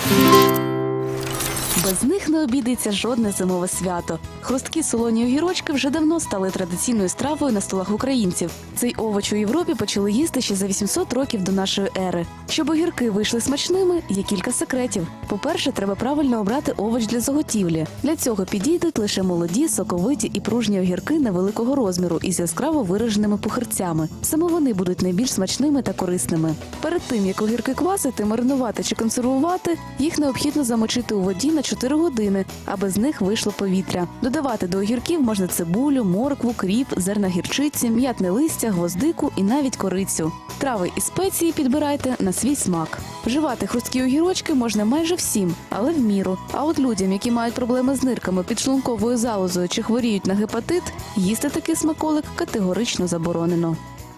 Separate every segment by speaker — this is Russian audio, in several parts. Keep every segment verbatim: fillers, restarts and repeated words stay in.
Speaker 1: Без них не обійдеться жодне зимове свято. Хрусткі солоні огірочки вже давно стали традиційною стравою на столах українців. Цей овоч у Європі почали їсти ще за вісімсот років до нашої ери. Щоб огірки вийшли смачними, є кілька секретів. По-перше, треба правильно обрати овоч для заготівлі. Для цього підійдуть лише молоді, соковиті і пружні огірки невеликого розміру із яскраво вираженими пухирцями. Саме вони будуть найбільш смачними та корисними. Перед тим, як огірки квасити, маринувати чи консервувати, їх необхідно замочити у воді на чотири години, аби з них вийшло повітря. Додавати до огірків можна цибулю, моркву, кріп, зерна гірчиці, м'ятне листя, гвоздику і навіть корицю. Трави і спеції підбирайте на свій смак. Вживати хрусткі огірочки можна майже всім, але в міру. А от людям, які мають проблеми з нирками, підшлунковою залозою чи хворіють на гепатит, їсти такий смаколик категорично заборонено.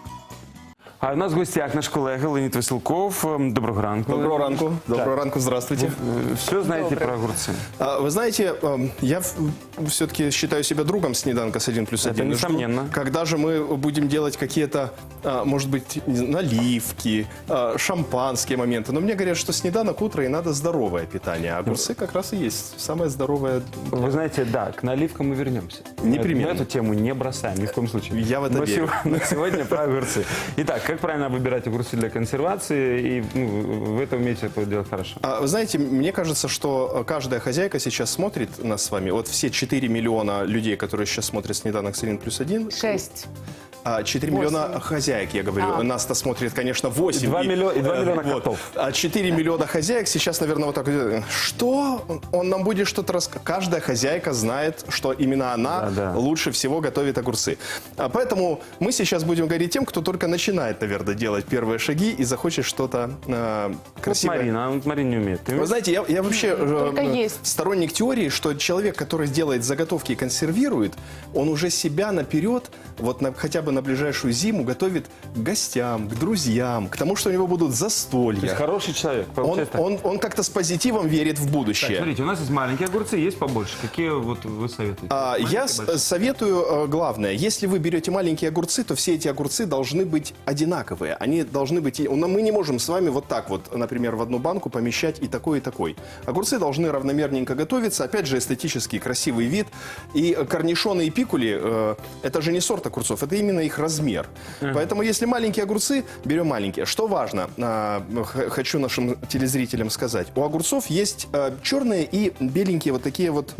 Speaker 2: А у нас в гостях наш колега Леонід Веселков. Доброго ранку.
Speaker 3: Доброго ранку. Доброго ранку, здравствуйте.
Speaker 2: Вы все знаете про огурцы?
Speaker 3: Вы знаете, я все-таки считаю себя другом снеданка с один плюс один.
Speaker 2: Это несомненно.
Speaker 3: Когда же мы будем делать какие-то, может быть, наливки, шампанские моменты. Но мне говорят, что снеданок утро и надо здоровое питание. А огурцы как раз и есть самое здоровое.
Speaker 2: Вы знаете, да, к наливкам мы вернемся.
Speaker 3: Непременно.
Speaker 2: Мы эту тему не бросаем ни в коем случае.
Speaker 3: Я в это
Speaker 2: но
Speaker 3: верю.
Speaker 2: Но сегодня про огурцы. Итак, как правильно выбирать огурцы для консервации, и ну, вы это умеете это делать хорошо.
Speaker 3: А, вы знаете, мне кажется, что каждая хозяйка сейчас смотрит нас с вами. Вот все четыре миллиона людей, которые сейчас смотрят «Снеданок с один плюс один».
Speaker 4: Шесть.
Speaker 3: четыре миллиона хозяек, я говорю.
Speaker 4: А.
Speaker 3: Нас-то смотрит, конечно, восемь.
Speaker 2: И два миллиона, и два миллиона
Speaker 3: вот.
Speaker 2: котов.
Speaker 3: А четыре миллиона хозяек сейчас, наверное, вот так вот. Что? Он нам будет что-то рассказывать. Каждая хозяйка знает, что именно она
Speaker 2: Да, да.
Speaker 3: лучше всего готовит огурцы. А поэтому мы сейчас будем говорить тем, кто только начинает, наверное, делать первые шаги и захочет что-то э, красивое.
Speaker 2: Вот Марина, а вот Марина не умеет. Ты
Speaker 3: Вы
Speaker 2: умеешь?
Speaker 3: знаете, я, я вообще
Speaker 4: Только
Speaker 3: э,
Speaker 4: есть.
Speaker 3: сторонник теории, что человек, который делает заготовки и консервирует, он уже себя наперед, вот на, хотя бы на ближайшую зиму, готовит к гостям, к друзьям, к тому, что у него будут
Speaker 2: То есть
Speaker 3: застолья.
Speaker 2: хороший человек,
Speaker 3: Он,
Speaker 2: получается так.
Speaker 3: он, он как-то с позитивом верит в
Speaker 2: Так,
Speaker 3: будущее.
Speaker 2: смотрите, у нас есть маленькие огурцы, есть побольше. Какие вот вы советуете?
Speaker 3: А,
Speaker 2: Маленькие,
Speaker 3: я с-
Speaker 2: большие?
Speaker 3: советую э, главное, если вы берете маленькие огурцы, то все эти огурцы должны быть одинаковые. Они должны быть... и- но Мы не можем с вами вот так вот, например, в одну банку помещать и такой, и такой. Огурцы должны равномерненько готовиться. Опять же, эстетический, красивый вид. И корнишоны и пикули, э, это же не сорт огурцов, это именно их размер. Поэтому, если маленькие огурцы, берем маленькие. Что важно, а, х- хочу нашим телезрителям сказать. У огурцов есть а, черные и беленькие вот такие вот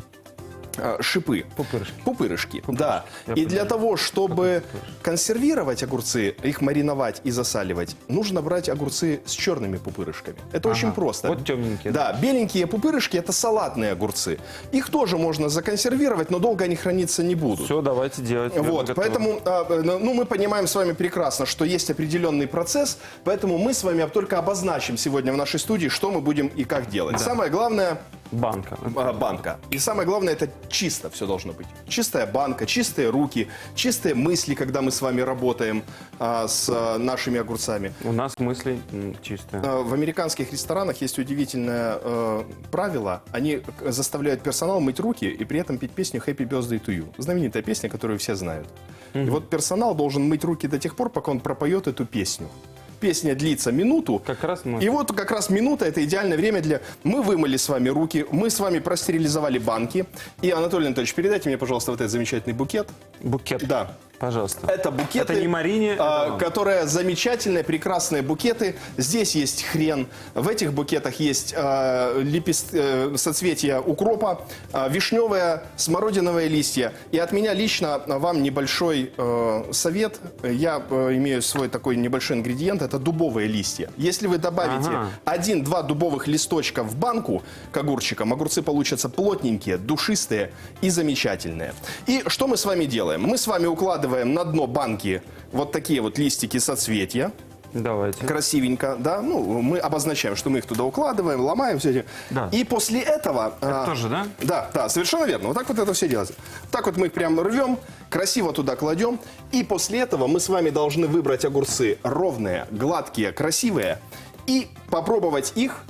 Speaker 3: а, шипы.
Speaker 2: Пупырышки.
Speaker 3: Пупырышки, да.
Speaker 2: Я
Speaker 3: И для
Speaker 2: понимаю.
Speaker 3: того, чтобы консервировать огурцы, их мариновать и засаливать, нужно брать огурцы с черными пупырышками. Это очень просто.
Speaker 2: Вот темненькие.
Speaker 3: Да, беленькие пупырышки – это салатные огурцы. Их тоже можно законсервировать, но долго они храниться не будут.
Speaker 2: Все, давайте делать. Я
Speaker 3: Вот,
Speaker 2: готов.
Speaker 3: поэтому, а, ну, мы понимаем с вами прекрасно, что есть определенный процесс, поэтому мы с вами только обозначим сегодня в нашей студии, что мы будем и как делать. Самое главное
Speaker 2: Банка.
Speaker 3: а, банка. И самое главное, это чисто все должно быть. Чистая банка, чистые руки, чистые мысли, когда мы с вами работаем а, с а, нашими огурцами.
Speaker 2: У нас мысли м, чистые.
Speaker 3: А, В американских ресторанах есть удивительное э, правило. Они к- заставляют персонал мыть руки и при этом петь песню «Happy Birthday to you». Знаменитая песня, которую все знают. И вот персонал должен мыть руки до тех пор, пока он пропоет эту песню. Песня длится минуту.
Speaker 2: Как раз мы...
Speaker 3: И вот как раз минута – это идеальное время для... Мы вымыли с вами руки, мы с вами простерилизовали банки. И, Анатолий Анатольевич, передайте мне, пожалуйста, вот этот замечательный букет.
Speaker 2: Букет.
Speaker 3: Да.
Speaker 2: Пожалуйста.
Speaker 3: Это букеты,
Speaker 2: Это не Марине,
Speaker 3: а,
Speaker 2: это вам.
Speaker 3: которые замечательные, прекрасные букеты. Здесь есть хрен, в этих букетах есть а, лепест- э, соцветия укропа, а, вишневые, смородиновые листья. И от меня лично вам небольшой э, совет. Я э, имею свой такой небольшой ингредиент, это дубовые листья. Если вы добавите
Speaker 2: Ага.
Speaker 3: один-два дубовых листочка в банку к огурчикам, огурцы получатся плотненькие, душистые и замечательные. И что мы с вами делаем? Мы с вами укладываем на дно банки вот такие вот листики соцветия.
Speaker 2: Давайте.
Speaker 3: Красивенько, да. Ну, мы обозначаем, что мы их туда укладываем, ломаем все эти.
Speaker 2: Да.
Speaker 3: И после этого...
Speaker 2: Это
Speaker 3: а,
Speaker 2: тоже, да?
Speaker 3: Да, да, совершенно верно. Вот так вот это все делается. Так вот мы их прям рвем, красиво туда кладем. И после этого мы с вами должны выбрать огурцы ровные, гладкие, красивые. И попробовать их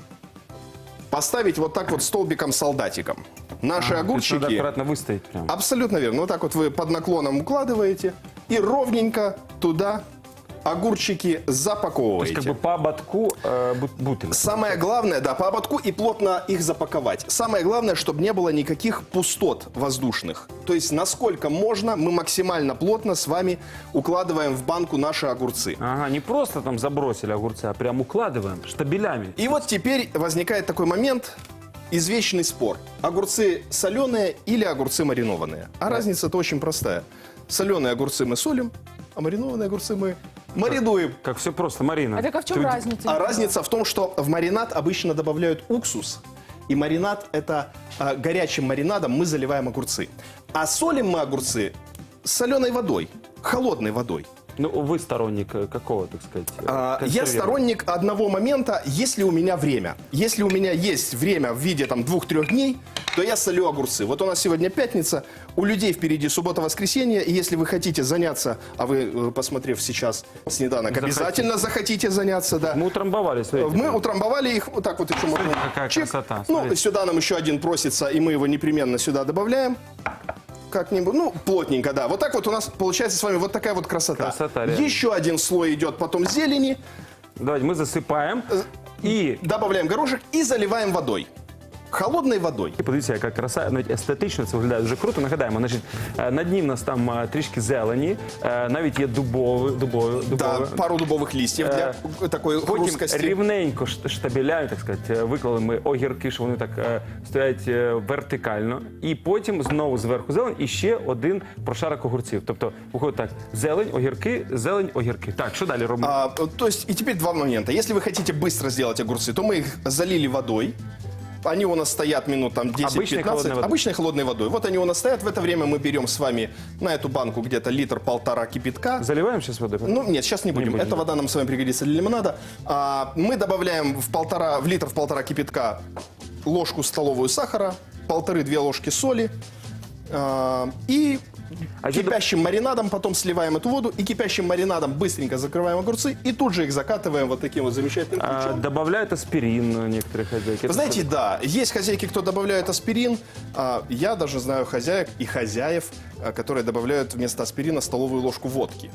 Speaker 3: поставить вот так вот столбиком-солдатиком. Наши
Speaker 2: А, то есть
Speaker 3: огурчики...
Speaker 2: надо аккуратно выставить прям.
Speaker 3: Абсолютно верно. Вот так вот вы под наклоном укладываете и ровненько туда огурчики
Speaker 2: То есть
Speaker 3: запаковываете.
Speaker 2: как бы по ободку э, бут- бутыль.
Speaker 3: Самое главное, да, по ободку и плотно их запаковать. Самое главное, чтобы не было никаких пустот воздушных. То есть, насколько можно, мы максимально плотно с вами укладываем в банку наши огурцы.
Speaker 2: Ага, не просто там забросили огурцы, а прям укладываем штабелями.
Speaker 3: И вот теперь возникает такой момент, извечный спор. Огурцы соленые или огурцы маринованные? А разница-то очень простая. Соленые огурцы мы солим, а маринованные огурцы мы маринуем.
Speaker 2: Как все просто, Марина.
Speaker 4: А так а в чем
Speaker 2: ты-
Speaker 4: разница?
Speaker 3: А разница в том, что в маринад обычно добавляют уксус. И маринад – это а, горячим маринадом мы заливаем огурцы. А солим мы огурцы с соленой водой, холодной водой.
Speaker 2: Ну, вы сторонник э, какого, так сказать? э,
Speaker 3: А, Я
Speaker 2: консервирования?
Speaker 3: сторонник одного момента, если у меня время. Если у меня есть время в виде там двух-трех дней, то я солю огурцы. Вот у нас сегодня пятница, у людей впереди суббота-воскресенье, и если вы хотите заняться, а вы, э, посмотрев сейчас снеданок,
Speaker 2: Захотите.
Speaker 3: обязательно захотите заняться, да.
Speaker 2: Мы утрамбовали, смотрите.
Speaker 3: Мы утрамбовали их, вот так вот еще можно.
Speaker 2: какая
Speaker 3: чик.
Speaker 2: красота,
Speaker 3: Ну,
Speaker 2: смотрите.
Speaker 3: сюда нам еще один просится, и мы его непременно сюда добавляем. Как-нибудь, ну, плотненько, да. Вот так вот у нас получается с вами вот такая вот красота.
Speaker 2: Красота, реально.
Speaker 3: Еще один слой идет потом зелени.
Speaker 2: Давайте мы засыпаем и...
Speaker 3: Добавляем горошек і заливаємо водою. Холодною водою.
Speaker 2: Подивіться, яка краса, навіть естетично це виглядає дуже круто. Нагадаємо, значить, е, на дні в нас там е, трішки зелені, е, навіть є дубове, дубове,
Speaker 3: Да,
Speaker 2: дубове.
Speaker 3: пару дубових листів для такої
Speaker 2: Потім
Speaker 3: хрусткості.
Speaker 2: рівненько ш- штабелями, так сказати, е, виклали ми огірки, що вони так е, стоять е, вертикально. І потім знову зверху зелень і ще один прошарок огурців. Тобто, виходить так, зелень, огірки, зелень, огірки. Так, що далі робимо?
Speaker 3: А, то есть, и теперь два момента. Если вы хотите быстро сделать огурцы, то мы их залили водой. Они у нас стоят минут там
Speaker 2: Обычной холодной
Speaker 3: десять-пятнадцать.
Speaker 2: водой.
Speaker 3: Обычной холодной водой. Вот они у нас стоят. В это время мы берем с вами на эту банку где-то литр-полтора кипятка.
Speaker 2: Заливаем сейчас водой?
Speaker 3: Ну, нет, сейчас не будем.
Speaker 2: будем,
Speaker 3: Эта
Speaker 2: да.
Speaker 3: вода нам с вами пригодится для лимонада. А, мы добавляем в, полтора, в литр в полтора кипятка ложку столовую сахара, полторы-две ложки соли. А, и
Speaker 2: А еще
Speaker 3: кипящим маринадом потом сливаем эту воду. И кипящим маринадом быстренько закрываем огурцы. И тут же их закатываем вот таким вот замечательным
Speaker 2: А,
Speaker 3: ключом.
Speaker 2: добавляют аспирин некоторые хозяйки.
Speaker 3: Вы знаете, да, есть хозяйки, кто добавляет аспирин. А, я даже знаю хозяек и хозяев, а, которые добавляют вместо аспирина столовую ложку водки.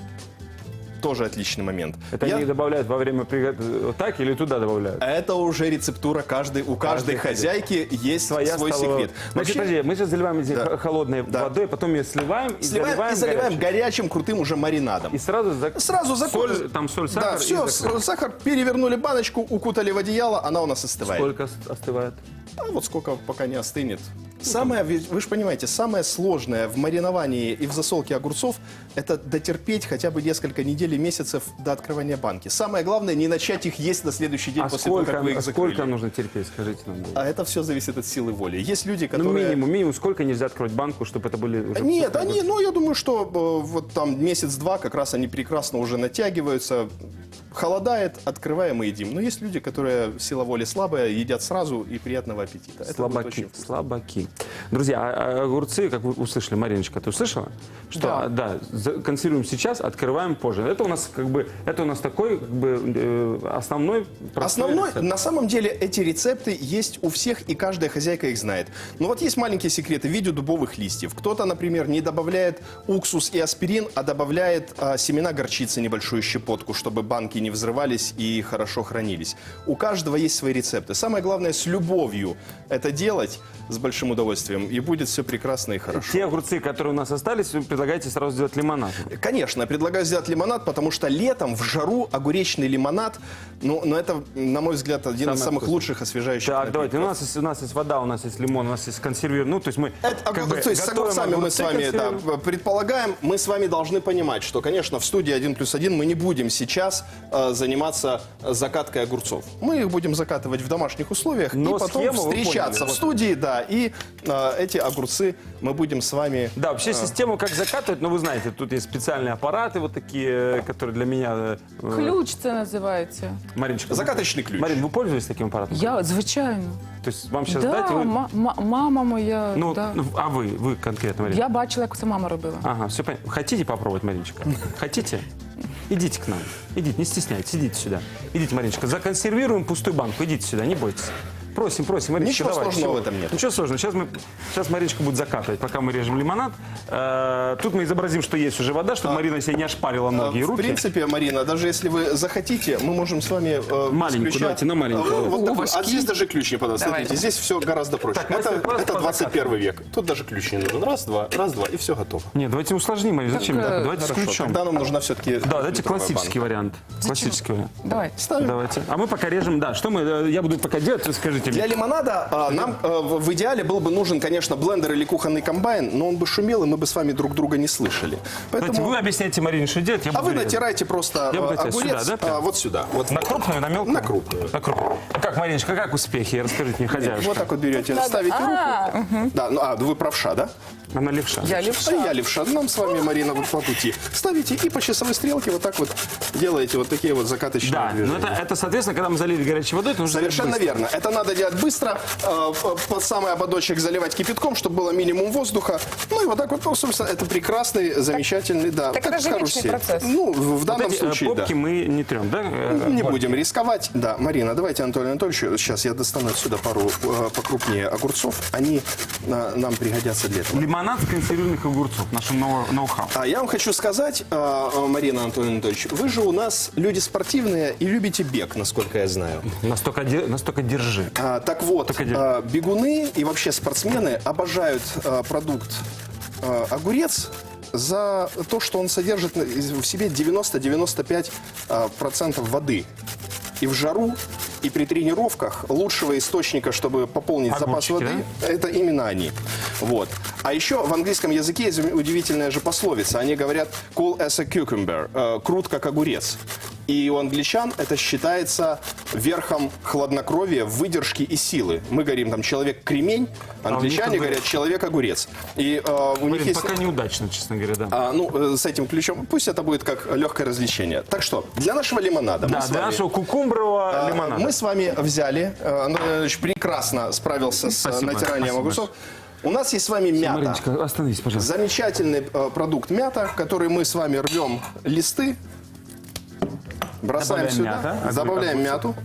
Speaker 3: Тоже отличный момент.
Speaker 2: Это
Speaker 3: Я-
Speaker 2: они добавляют во время приготовления так или туда добавляют?
Speaker 3: Это уже рецептура каждой. У каждой
Speaker 2: Каждый
Speaker 3: хозяйки есть
Speaker 2: Своя
Speaker 3: свой
Speaker 2: столовая.
Speaker 3: секрет.
Speaker 2: Значит,
Speaker 3: Вообще,
Speaker 2: подожди, мы сейчас заливаем эти
Speaker 3: Да.
Speaker 2: х- холодной
Speaker 3: Да.
Speaker 2: водой, потом ее сливаем и
Speaker 3: сливаем
Speaker 2: заливаем,
Speaker 3: и заливаем
Speaker 2: горячей.
Speaker 3: горячим крутым уже маринадом.
Speaker 2: И сразу, за...
Speaker 3: Сразу закон...
Speaker 2: соль, там соль, сахар.
Speaker 3: Да,
Speaker 2: и
Speaker 3: все,
Speaker 2: закрыли.
Speaker 3: сахар, перевернули баночку, укутали в одеяло, она у нас остывает.
Speaker 2: Сколько с- остывает?
Speaker 3: А вот сколько, пока не остынет. Самое, вы вы же понимаете, самое сложное в мариновании и в засолке огурцов – это дотерпеть хотя бы несколько недель и месяцев до открывания банки. Самое главное – не начать их есть на следующий день
Speaker 2: А
Speaker 3: после того,
Speaker 2: сколько,
Speaker 3: как вы их
Speaker 2: а
Speaker 3: закрыли.
Speaker 2: сколько нужно терпеть, скажите нам?
Speaker 3: А это все зависит от силы воли. Есть люди,
Speaker 2: Ну,
Speaker 3: которые…
Speaker 2: минимум, минимум, сколько нельзя открыть банку, чтобы это были уже
Speaker 3: Нет,
Speaker 2: сухие
Speaker 3: они,
Speaker 2: огурцы?
Speaker 3: ну, я думаю, что э, вот там месяц-два как раз они прекрасно уже натягиваются. Холодает, открываем и едим. Но есть люди, которые сила воли слабая, едят сразу и приятного аппетита. Это будет
Speaker 2: Слабаки,
Speaker 3: очень вкусно.
Speaker 2: слабаки. Друзья, а- а огурцы, как вы услышали, Мариночка, ты услышала? Что, да, за- консервируем сейчас, открываем позже. Это у нас как бы, это у нас такой как бы э, основной простой
Speaker 3: Основной,
Speaker 2: рецепт.
Speaker 3: на самом деле, эти рецепты есть у всех, и каждая хозяйка их знает. Но вот есть маленькие секреты в виде дубовых листьев. Кто-то, например, не добавляет уксус и аспирин, а добавляет а, семена горчицы, небольшую щепотку, чтобы банки не взрывались и хорошо хранились. У каждого есть свои рецепты. Самое главное, с любовью это делать, с большим удовольствием, и будет все прекрасно и хорошо.
Speaker 2: Те огурцы, которые у нас остались, вы предлагаете сразу сделать лимонад.
Speaker 3: Конечно, я предлагаю сделать лимонад, потому что летом в жару огуречный лимонад, ну, но это, на мой взгляд, один
Speaker 2: Самое
Speaker 3: из самых
Speaker 2: вкусное.
Speaker 3: лучших освежающих
Speaker 2: Так,
Speaker 3: напитков.
Speaker 2: давайте. У нас, есть, у нас есть вода, у нас есть лимон, у нас есть консервир. Ну, то есть мы
Speaker 3: Это,
Speaker 2: как
Speaker 3: огур-
Speaker 2: бы
Speaker 3: то есть с
Speaker 2: готовим
Speaker 3: огурцами мы с
Speaker 2: огурцы,
Speaker 3: вами да,
Speaker 2: консервируем.
Speaker 3: предполагаем, мы с вами должны понимать, что, конечно, в студии один плюс один мы не будем сейчас э, заниматься закаткой огурцов. Мы их будем закатывать в домашних условиях
Speaker 2: Но
Speaker 3: и потом
Speaker 2: схему вы
Speaker 3: встречаться
Speaker 2: поняли,
Speaker 3: в
Speaker 2: вот.
Speaker 3: студии, да, и э, эти огурцы мы будем с вами...
Speaker 2: Да, вообще систему как закатывать, ну вы знаете, тут есть специальные аппараты вот такие, которые для меня... э,
Speaker 4: Ключ це називається.
Speaker 2: Мариночка,
Speaker 3: Закаточный ключ.
Speaker 2: Марин, вы пользуетесь таким аппаратом?
Speaker 4: Я, звичайно.
Speaker 2: То есть вам сейчас
Speaker 4: Да,
Speaker 2: дать, и вы...
Speaker 4: ма- ма- мама моя.
Speaker 2: Ну,
Speaker 4: да.
Speaker 2: ну, а вы, вы конкретно, Марина?
Speaker 4: Я бачила, як це мама робила.
Speaker 2: Ага, все понятно. Хотите попробовать, Мариночка? Хотите? Идите к нам. Идите, не стесняйтесь, идите сюда. Идите, Мариночка, законсервируем пустую банку. Идите сюда, не бойтесь. Просим, просим, Мариночка,
Speaker 3: Ничего
Speaker 2: давай.
Speaker 3: сложного
Speaker 2: всё.
Speaker 3: в этом нет.
Speaker 2: Ничего сложного. Сейчас, мы, сейчас Мариночка будет закатывать, пока мы режем лимонад. Э, тут мы изобразим, что есть уже вода, чтобы Марина себе не ошпарила ноги и
Speaker 3: В
Speaker 2: руки.
Speaker 3: принципе, Марина, даже если вы захотите, мы можем с вами э,
Speaker 2: Маленькую,
Speaker 3: исключать-
Speaker 2: давайте, на маленькую.
Speaker 3: Э, вот такой.
Speaker 4: Овощи.
Speaker 3: А здесь даже ключ не подать.
Speaker 4: Давай.
Speaker 3: Смотрите, здесь все гораздо проще.
Speaker 2: Так, мастер,
Speaker 3: это
Speaker 2: просто
Speaker 3: это
Speaker 2: по
Speaker 3: двадцать первый век. Тут даже ключ не нужен. Раз, два, раз, два, и все готово.
Speaker 2: Нет, давайте усложним, Марина. Зачем?
Speaker 4: Так, э,
Speaker 2: давайте с
Speaker 3: Хорошо,
Speaker 2: ключом.
Speaker 3: тогда нам нужна все-таки...
Speaker 2: Да, давайте классический вариант. Классический вариант.
Speaker 4: Давай.
Speaker 3: Ставим.
Speaker 2: Давайте. А мы пока режем. Да, что мы? э, Я буду пока делать, вы скажите
Speaker 3: Для
Speaker 2: мне.
Speaker 3: лимонада а, нам э, в в идеале был бы нужен, конечно, блендер или кухонный комбайн, но он бы шумел, и мы бы с вами друг друга не слышали.
Speaker 2: Давайте,
Speaker 3: Поэтому...
Speaker 2: вы объясняете Марине, что делать, я
Speaker 3: А
Speaker 2: буду
Speaker 3: вы
Speaker 2: резать.
Speaker 3: натираете просто
Speaker 2: Я
Speaker 3: э,
Speaker 2: буду натирать
Speaker 3: огурец
Speaker 2: сюда, да, прям?
Speaker 3: а, вот сюда. Вот,
Speaker 2: На крупную, на мелкую?
Speaker 3: На крупную.
Speaker 2: На крупную. Как, Мариночка, как успехи? Расскажите мне, хозяюшка.
Speaker 3: вот так вот берете, ставите руку. Да, ну, а, вы правша, да?
Speaker 2: Она левша.
Speaker 4: Я
Speaker 3: А
Speaker 4: левша.
Speaker 3: я левша. Нам с вами, Марина, вот по пути. Ставите и по часовой стрелке вот так вот делаете вот такие вот закаточные
Speaker 2: Да, но
Speaker 3: движения.
Speaker 2: это, это, соответственно, когда мы залили горячей водой, это нужно
Speaker 3: Совершенно
Speaker 2: делать
Speaker 3: верно. Это надо делать быстро, э, под самый ободочек заливать кипятком, чтобы было минимум воздуха. Ну и вот так вот, ну, собственно, это прекрасный, замечательный, да.
Speaker 4: так это же вечный
Speaker 3: карусель.
Speaker 4: процесс.
Speaker 3: Ну, в в данном
Speaker 2: быстрее. Вот эти, э,
Speaker 3: случае, да.
Speaker 2: попки мы не трем, да? Э,
Speaker 3: Не
Speaker 2: вот.
Speaker 3: будем рисковать. Да, Марина, давайте Анатолию Анатольевичу, сейчас я достану отсюда пару э, покрупнее огурцов. Они э, нам пригодятся для этого.
Speaker 2: Лимонад с консервированных огурцов, нашим ноу- ноу-хау.
Speaker 3: А я вам хочу сказать, э, э, Марина Анатольевна Анатольевич, вы же у нас люди спортивные и любите бег, насколько я знаю.
Speaker 2: Настолько, де- настолько держи.
Speaker 3: А, так вот,
Speaker 2: Только дело.
Speaker 3: а, бегуны и вообще спортсмены обожают а, продукт а, огурец за то, что он содержит на- в себе девяносто-девяносто пять а, процентов воды. И в жару, и при тренировках лучшего источника, чтобы пополнить запас
Speaker 2: Огурчики,
Speaker 3: воды, это именно они. Вот. А еще в английском языке есть удивительная же пословица. Они говорят cool as a cucumber, э, крут как огурец. И у англичан это считается верхом хладнокровия, выдержки и силы. Мы говорим там человек-кремень, англичане
Speaker 2: них
Speaker 3: говорят человек-огурец. И э, у них
Speaker 2: Блин,
Speaker 3: есть...
Speaker 2: пока неудачно, честно говоря, да.
Speaker 3: А, ну, э, с этим ключом, пусть это будет как легкое развлечение. Так что, для нашего лимонада
Speaker 2: Да,
Speaker 3: мы с
Speaker 2: для
Speaker 3: вами...
Speaker 2: нашего кукумбрового
Speaker 3: А,
Speaker 2: лимонада.
Speaker 3: Мы с вами взяли, э, Андрей Иванович прекрасно справился с э,
Speaker 2: Спасибо,
Speaker 3: натиранием
Speaker 2: спасибо
Speaker 3: огурцов. У нас есть с вами мята.
Speaker 2: Мариночка, остановись, пожалуйста.
Speaker 3: Замечательный э, продукт мята, который мы с вами рвем листы, бросаем
Speaker 2: Добавляем
Speaker 3: сюда,
Speaker 2: мята, огур-
Speaker 3: добавляем
Speaker 2: огурцов.
Speaker 3: мяту.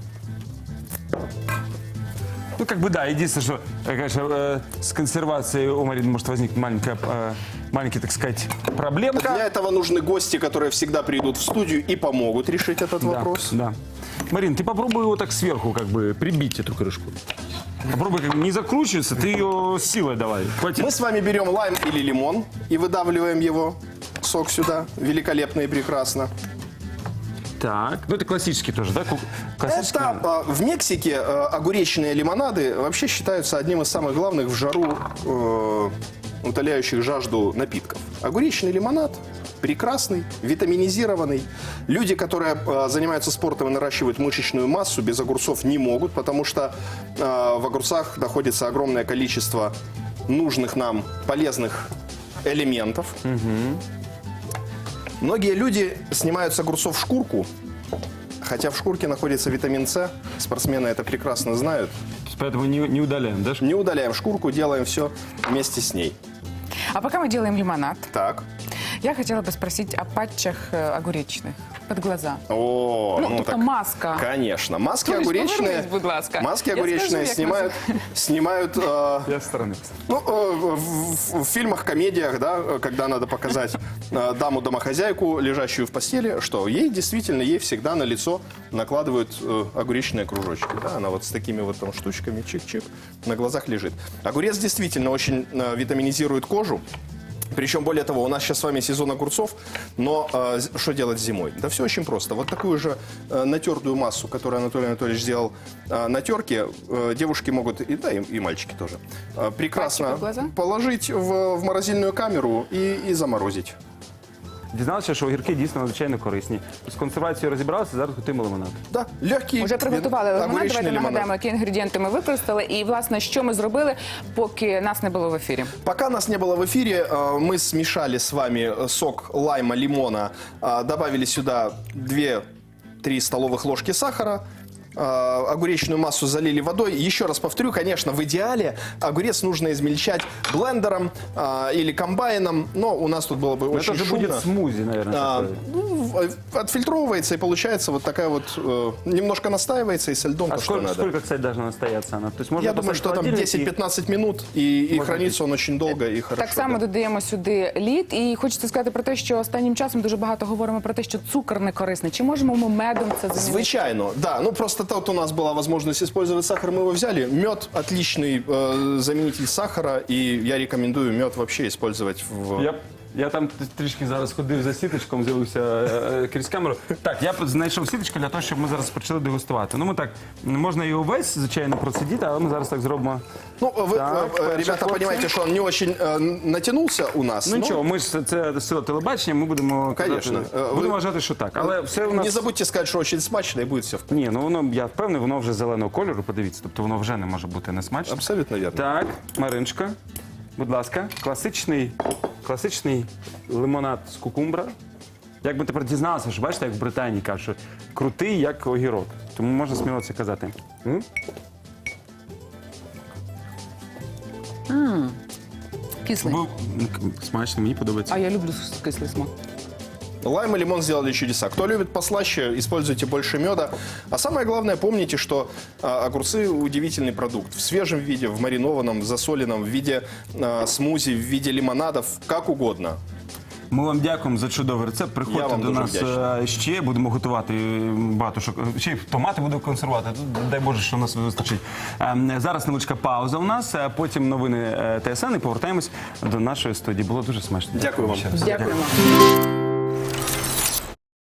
Speaker 2: Ну, как бы, да, единственное, что, э, конечно, э, с консервацией у Марины может возникнуть маленькая, э, маленький, так сказать, проблемка.
Speaker 3: Для этого нужны гости, которые всегда придут в студию и помогут решить этот
Speaker 2: Да,
Speaker 3: вопрос.
Speaker 2: да. Марин, ты попробуй его так сверху, как бы, прибить эту крышку. Попробуй, как бы, не закручиваться, ты ее силой давай. Хватит.
Speaker 3: Мы с вами берем лайм или лимон и выдавливаем его, сок сюда, великолепно и прекрасно.
Speaker 2: Так, ну это классический тоже, да? ку- Классический.
Speaker 3: Это э, в Мексике э, огуречные лимонады вообще считаются одним из самых главных в жару э, утоляющих жажду напитков. Огуречный лимонад прекрасный, витаминизированный. Люди, которые э, занимаются спортом и наращивают мышечную массу, без огурцов не могут, потому что э, в огурцах находится огромное количество нужных нам полезных элементов. Многие люди снимают с огурцов шкурку, хотя в шкурке находится витамин С. Спортсмены это прекрасно знают.
Speaker 2: Поэтому не, не удаляем, да?
Speaker 3: Не удаляем шкурку, делаем все вместе с ней.
Speaker 4: А пока мы делаем лимонад,
Speaker 3: Так.
Speaker 4: я хотела бы спросить о патчах э, огуречных под глаза.
Speaker 3: О,
Speaker 4: Ну, тобто маска.
Speaker 3: Конечно. Маски
Speaker 4: Товарищ,
Speaker 3: огуречные.
Speaker 4: повернись, будь ласка.
Speaker 3: Маски
Speaker 4: Я
Speaker 3: огуречные
Speaker 4: скажу, як
Speaker 3: снимают, снимают э,
Speaker 2: Я со стороны.
Speaker 3: ну, э, в, в- в фильмах, комедиях, да, э, когда надо показать э, даму-домохозяйку, лежащую в постели, что ей действительно, ей всегда на лицо накладывают э, огуречные кружочки. Да, она вот с такими вот там штучками, чик-чик, на глазах лежит. Огурец действительно очень э, витаминизирует кожу. Причем, более того, у нас сейчас с вами сезон огурцов, но э, з- что делать зимой? Да все очень просто. Вот такую же э, натертую массу, которую Анатолий Анатольевич сделал э, на терке, э, девушки могут, и, да, и, и мальчики тоже, э, прекрасно
Speaker 4: Пальчик под глаза?
Speaker 3: положить в, в морозильную камеру и, и заморозить.
Speaker 2: Дізналися, що огірки дійсно надзвичайно корисні. З консервацією розібралися, зараз готуємо лимонад.
Speaker 3: Да, легкий.
Speaker 4: Уже приготували лимонад.
Speaker 3: огуречний
Speaker 4: Давайте
Speaker 3: лимонад.
Speaker 4: нагадаємо, які інгредієнти ми використали і, власне, що ми зробили, поки нас не було в ефірі.
Speaker 3: Пока нас не было в эфире, э, мы смешали с вами сок лайма, лимона, э, добавили сюда две-три столовых ложки сахара, э, огуречную массу залили водой. Еще раз повторю, конечно, в идеале огурец нужно измельчать блендером э, или комбайном, но у нас тут было бы
Speaker 2: Но
Speaker 3: очень
Speaker 2: это же
Speaker 3: шумно.
Speaker 2: будет смузи, наверное.
Speaker 3: А,
Speaker 2: такое.
Speaker 3: ну, в- отфильтровывается и получается вот такая вот, э, немножко настаивается и со льдом
Speaker 2: А
Speaker 3: то, что
Speaker 2: сколько,
Speaker 3: надо.
Speaker 2: сколько, кстати, должна настояться она? То есть можно
Speaker 3: Я думаю,
Speaker 2: поставить
Speaker 3: что
Speaker 2: в
Speaker 3: там
Speaker 2: холодильник и-
Speaker 3: десять-пятнадцать минут, и, и хранится он очень долго и хорошо.
Speaker 4: Так само
Speaker 3: да.
Speaker 4: додаємо сюди лід. І хочеться сказати про те, що останнім часом дуже багато говоримо про те, що цукор не корисний. Чи можемо ми медом це замінити?
Speaker 3: Звичайно, да. Ну просто тут у нас была возможность использовать сахар, мы его взяли. Мед отличный э, заменитель сахара, и я рекомендую мед вообще использовать в.
Speaker 2: Я, я там трішки зараз ходив за сіточком, з'явився е, е, крізь камеру. Так, я знайшов сіточку для того, щоб ми зараз почали дегустувати. Ну, ми так, можна і увесь, звичайно, процедити, але ми зараз так зробимо.
Speaker 3: Ну, вы,
Speaker 2: Так,
Speaker 3: э,
Speaker 2: перший
Speaker 3: ребята,
Speaker 2: хлопцы.
Speaker 3: понимаете, что он не очень э, натянулся у нас.
Speaker 2: Ну
Speaker 3: но
Speaker 2: нічого, ми ж це сила телебачення, ми будемо
Speaker 3: Конечно.
Speaker 2: казати-
Speaker 3: Е, ви-
Speaker 2: будемо вважати, що так. Але все у нас.
Speaker 3: Не забудьте сказать, что очень смачно, и будет все вкусно.
Speaker 2: Ні, ну воно, я впевнений, воно вже зеленого кольору, подивіться, тобто воно вже не може бути несмачне.
Speaker 3: Абсолютно верно.
Speaker 2: Так, Мариночка, будь ласка, класичний, класичний лимонад з кукумбра. Як ми тепер дізналися, що бачите, як в Британії кажуть, що крутий, як огірок. Тому можна сміло це казати. М?
Speaker 4: Кислий.
Speaker 2: Бо- Смачно, мені подобається.
Speaker 4: А я люблю кислий смак.
Speaker 3: Лайм и лимон сделали чудеса. Кто любит послаще, используйте больше меда. А самое главное, помните, что а, огурцы удивительный продукт. В свежем виде, в маринованном, в засоленном, в виде а, смузи, в виде лимонадов, как угодно.
Speaker 2: Ми вам дякуємо за чудовий рецепт.
Speaker 3: Я
Speaker 2: Приходьте
Speaker 3: вам
Speaker 2: до
Speaker 3: дуже
Speaker 2: нас
Speaker 3: вдячний.
Speaker 2: е, ще, будемо готувати багато що. Ще й томати буду консервувати. Тут, дай Боже, що у нас вистачить. Ем, Зараз невеличка пауза у нас, а потім новини е, ТСН і повертаємось до нашої студії. Було дуже смачно.
Speaker 3: Дякую вам.
Speaker 2: ще раз.
Speaker 4: Дякуємо.